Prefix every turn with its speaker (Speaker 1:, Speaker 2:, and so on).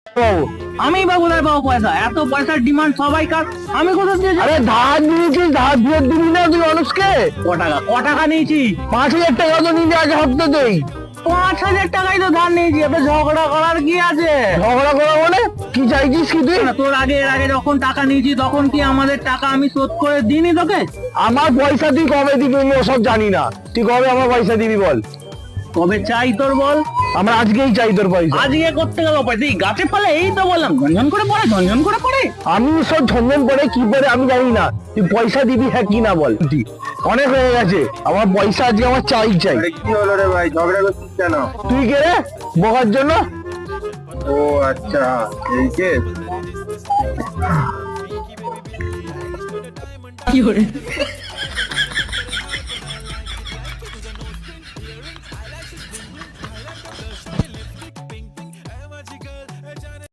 Speaker 1: আমি বা কোথায় পাবো পয়সা? এত পয়সার ডিমান্ড সবাই কার, আমি কোথা দিয়ে?
Speaker 2: আরে ধার নিয়েছিস, ধার দিয়ে দিবি না তুই মানুষকে?
Speaker 1: ক টাকা নিয়েছি?
Speaker 2: 5,000 টাকা তো নিলে আগে হপ্তাতেই।
Speaker 1: 5,000 টাকাই তো ধার নিয়েছি, এবার ঝগড়া করার কি আছে?
Speaker 2: ঝগড়া করা মানে কি চাইছিস কি তুই?
Speaker 1: না, তোর আগে এর আগে যখন টাকা নিয়েছি তখন কি আমাদের টাকা আমি শোধ করে দিইনি তোকে?
Speaker 2: আমার পয়সা তুই কবে দিবি আমি ওসব জানি না। তুই কবে আমার পয়সা দিবি বল?
Speaker 1: কবে চাই তোর বল?
Speaker 2: আমরা আজকেই চাই তোর পয়সা।
Speaker 1: আজকে করতে গেল পয়সা এই গাছে ফলে, এই তো বললাম ঝনঝন করে পড়ে, ঝনঝন করে পড়ে।
Speaker 2: আমি সব ঝঞ্ঝন করে কি করে আমি জানি না, তুই পয়সা দিবি হ্যাঁ কি না বল? তুই অনেক হয়ে গেছে, আমার পয়সা আজকে আমার চাই।
Speaker 3: আরে কি হলো রে ভাই, ঝগড়া করছিস কেন?
Speaker 2: তুই কে রে বকার জন্য?
Speaker 3: ও আচ্ছা, এই কেস।
Speaker 4: কি করে